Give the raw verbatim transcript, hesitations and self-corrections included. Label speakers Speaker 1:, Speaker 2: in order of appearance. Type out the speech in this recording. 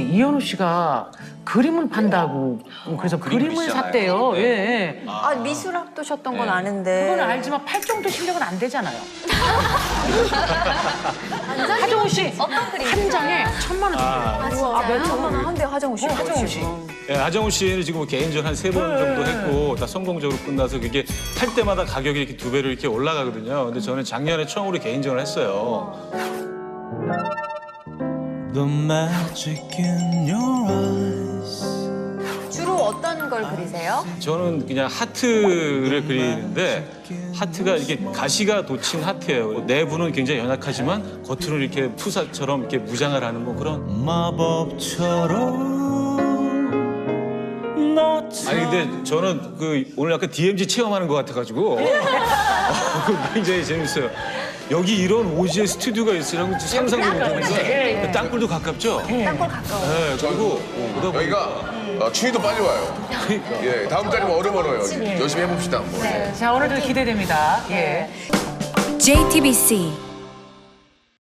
Speaker 1: 이현우 씨가 그림을 판다고 그래서
Speaker 2: 그림
Speaker 1: 그림을
Speaker 2: 그리시잖아요.
Speaker 1: 샀대요.
Speaker 2: 네.
Speaker 1: 예.
Speaker 3: 아, 미술학도셨던 건
Speaker 2: 네.
Speaker 3: 아는데.
Speaker 1: 그건 알지만 팔 정도 실력은 안 되잖아요. 하정우 씨
Speaker 4: 어떤 그림?
Speaker 1: 한 장에 천만 원.
Speaker 4: 아, 진짜요?
Speaker 3: 아, 몇 천만 원 한대 하정우 씨.
Speaker 1: 어, 하정우 씨.
Speaker 5: 예, 하정우 씨는 지금 개인전 한 세 번 정도 했고 다 성공적으로 끝나서 그게 할 때마다 가격이 이렇게 두 배로 이렇게 올라가거든요. 근데 저는 작년에 처음으로 개인전을 했어요.
Speaker 6: The magic in your eyes.
Speaker 3: 주로 어떤 걸 그리세요?
Speaker 5: 저는 그냥 하트를 그리는데 하트가 이렇게 가시가 돋친 하트예요. 내부는 굉장히 연약하지만 겉으로는 이렇게 푸사처럼 이렇게 무장을 하는 뭐 그런.
Speaker 6: 마법처럼 너
Speaker 5: 아니 근데 저는 그 오늘 약간 디엠지 체험하는 것 같아가지고 어, 굉장히 재밌어요. 여기 이런 오지의 스튜디오가 있으라고 상상도 못했는데 땅굴도 가깝죠?
Speaker 3: 땅굴 가까워.
Speaker 5: 네, 그리고 그러다 보니까
Speaker 7: 여기가 어, 추위도 빨리 와요. 예, 다음 달이면 얼음 얼어요. 열심히 해봅시다. 한번.
Speaker 1: 자, 오늘도 기대됩니다. 예.
Speaker 8: 제이티비씨